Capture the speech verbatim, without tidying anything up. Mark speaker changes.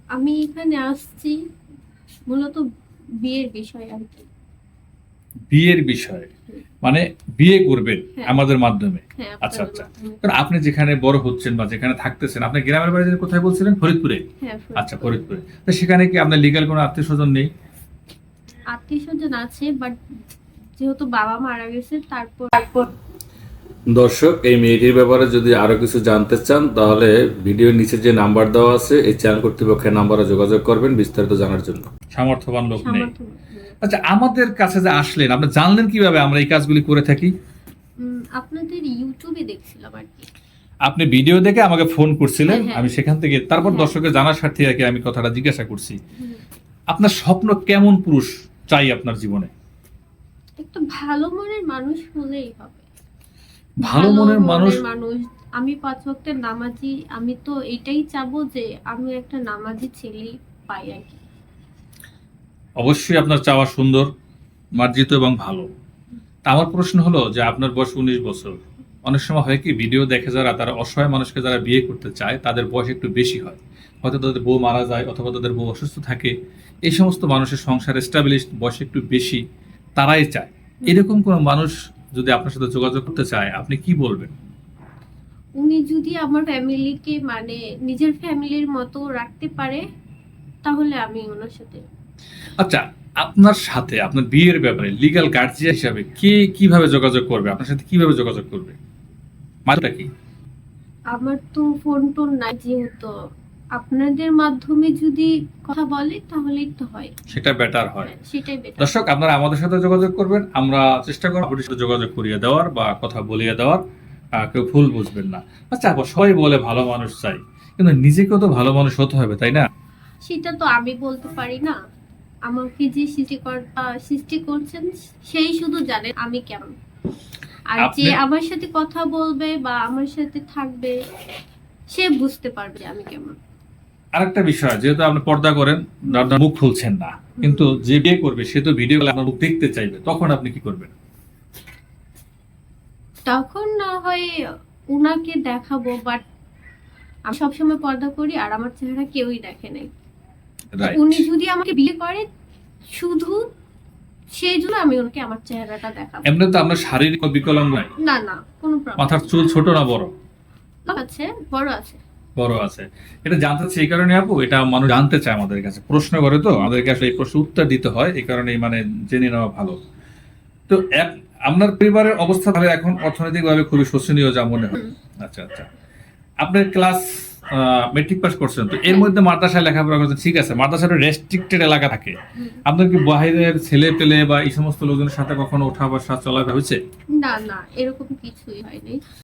Speaker 1: আমি এখানে আসছি মূলত বিয়ের বিষয় আর কি।
Speaker 2: বিয়ের বিষয় মানে বিয়ে করবেন
Speaker 1: হ্যাঁ।
Speaker 2: আমাদের মাধ্যমে?
Speaker 1: হ্যাঁ,
Speaker 2: আচ্ছা
Speaker 1: আপনাদের
Speaker 2: আচ্ছা।
Speaker 1: মাধ্যমে।
Speaker 2: কারণ আপনি যেখানে বড় হচ্ছেন বা যেখানে থাকতেছেন, আপনি গ্রামের বাড়ি যেন কোথায় বলছিলেন? ফরিদপুরে?
Speaker 1: হ্যাঁ,
Speaker 2: আচ্ছা,
Speaker 1: ফরিদপুরে।
Speaker 2: ফরিদপুরে। তো সেখানে কি আপনার লিগ্যাল কোনো আত্মীয়স্বজন নেই?
Speaker 1: আত্মীয়স্বজন আছে, বাট যেহেতু বাবা মারা গেছে তারপর তারপর
Speaker 3: দর্শক, এই মেয়েটির ব্যাপারে যদি আরো কিছু জানতে চান তাহলে ভিডিওর নিচে যে নাম্বার দেওয়া আছে এই চ্যানেল কর্তৃপক্ষের নাম্বারে যোগাযোগ করবেন বিস্তারিত জানার জন্য।
Speaker 2: সামর্থ্যবান লোক নেই।
Speaker 1: সামর্থ্য নেই।
Speaker 2: আচ্ছা, আমাদের কাছে যে আসলেন, আপনি জানলেন কিভাবে আমরা এই কাজগুলি করে থাকি?
Speaker 1: উম, আপনাদের ইউটিউবে দেখছিলাম আর কি।
Speaker 2: আপনি ভিডিও দেখে আমাকে ফোন করছিলেন,
Speaker 1: হ্যাঁ, হ্যাঁ।
Speaker 2: আমি সেখান থেকে তারপর
Speaker 1: হ্যাঁ।
Speaker 2: দর্শকের জানার স্বার্থে আর কি আমি কথাটা জিজ্ঞাসা করছি।
Speaker 1: হুম।
Speaker 2: আপনার স্বপ্ন কেমন পুরুষ চাই আপনার জীবনে?
Speaker 1: একটু ভালো মনের মানুষ হলেই হবে।
Speaker 2: ভালো মনের মানুষ?
Speaker 1: মানুষ আমি পাঁচ ওয়াক্তের নামাজি, আমি তো এটাই চাবো যে আমি একটা নামাজি ছেলে পাই আর কি।
Speaker 2: অবশ্যই আপনার চাওয়া সুন্দর, মার্জিত এবং ভালো। তা আমার প্রশ্ন হলো যে আপনার বয়স উনিশ বছর। অনেক সময় হয় কি, ভিডিও দেখে যারা তারা অসহায় মানুষকে যারা বিয়ে করতে চায় তাদের বয়স একটু বেশি হয়, হয়তো তাদের বউ মারা যায় অথবা তাদের বউ অসুস্থ থাকে। এই সমস্ত মানুষের সংসার এস্টাবলিশ বয়স একটু বেশি, তারাই চায়। এরকম কোনো মানুষ যদি আপনার সাথে যোগাযোগ করতে চায়, আপনি কি বলবেন?
Speaker 1: উনি যদি আমার ফ্যামিলিকে মানে নিজের ফ্যামিলির মতো রাখতে পারে তাহলে আমি ওনার সাথে।
Speaker 2: আচ্ছা, আপনার সাথে আপনার বিয়ের ব্যাপারে লিগ্যাল গার্জিয়ান হিসাবে কে কিভাবে যোগাযোগ করবে, আপনার সাথে কিভাবে যোগাযোগ করবে, মানেটা কি?
Speaker 1: আমার তো ফোন টোন নাই, যেহেতু আপনাদের মাধ্যমে যদি কথা বলে তাহলেই তো হয়।
Speaker 2: সেটা বেটার হয়।
Speaker 1: হ্যাঁ, সেটাই বেটার।
Speaker 2: দর্শক, আপনারা আমাদের সাথে যোগাযোগ করবেন, আমরা চেষ্টা করব আপনাদের সাথে যোগাযোগ করিয়ে দেওয়ার বা কথা বলিয়ে দেওয়ার। আহ, কেউ ভুল বুঝবেন না। আচ্ছা আপা, সবাই বলে ভালো মানুষ চাই, কিন্তু নিজেকেও তো ভালো মানুষ হতে হবে, তাই না?
Speaker 1: সেটা তো আমি বলতে পারি না। আমাকে যে সৃষ্টিকর্তা সৃষ্টি করছেন সেই শুধু জানেন আমি কেমন। আর যে
Speaker 2: আপনি-
Speaker 1: আমার সাথে কথা বলবে বা আমার সাথে থাকবে সে বুঝতে পারবে যে আমি কেমন।
Speaker 2: আরেকটা বিষয়, যেহেতু আপনি পর্দা করেন, আপনার মুখ খুলছেন না, কিন্তু যে বিয়ে করবে সে তো ভিডিও আপনার মুখ দেখতে চাইবে, তখন আপনি কি করবেন?
Speaker 1: তখন না হয় উনাকে দেখাবো, বাট আমি সবসময় পর্দা করি আর আমার চেহারা কেউই দেখে নাই।
Speaker 2: রাইট।
Speaker 1: উনি যদি আমাকে বিয়ে করে শুধু সেই জন্য আমি ওনাকে আমার চেহারাটা দেখাবো।
Speaker 2: এমনি তো আপনার শারীরিক বিকলাঙ্গ নাই?
Speaker 1: না না, কোনো প্রবলেম
Speaker 2: মাথার চুল ছোট না বড়?
Speaker 1: আছে, বড় আছে।
Speaker 2: বড় আছে। এটা জানতে চাই এই কারণে আপু, এটা মানুষ জানতে চায় আমাদের কাছে, প্রশ্ন করে, তো আমাদেরকে আসলে এই প্রশ্ন উত্তর দিতে হয়, এই কারণেই মানে জেনে নেওয়া ভালো। তো এক- আপনার পরিবারের অবস্থা তাহলে এখন অর্থনৈতিকভাবে খুবই শোচনীয় যা মনে হয়। আচ্ছা আচ্ছা। আপনার ক্লাস মেট্রিক পাস করছেন, তো এর মধ্যে মাদ্রাসায় লেখাপড়া করছেন, ঠিক আছে, মাদ্রাসার রেস্ট্রিক্টেড এলাকা থাকে। আপনার কি বাইরের ছেলে পেলে বা এই সমস্ত লোকজনের সাথে কখনো ওঠা বসা চলাফেরা হয়েছে?
Speaker 1: না না, এরকম কিছুই হয়নি।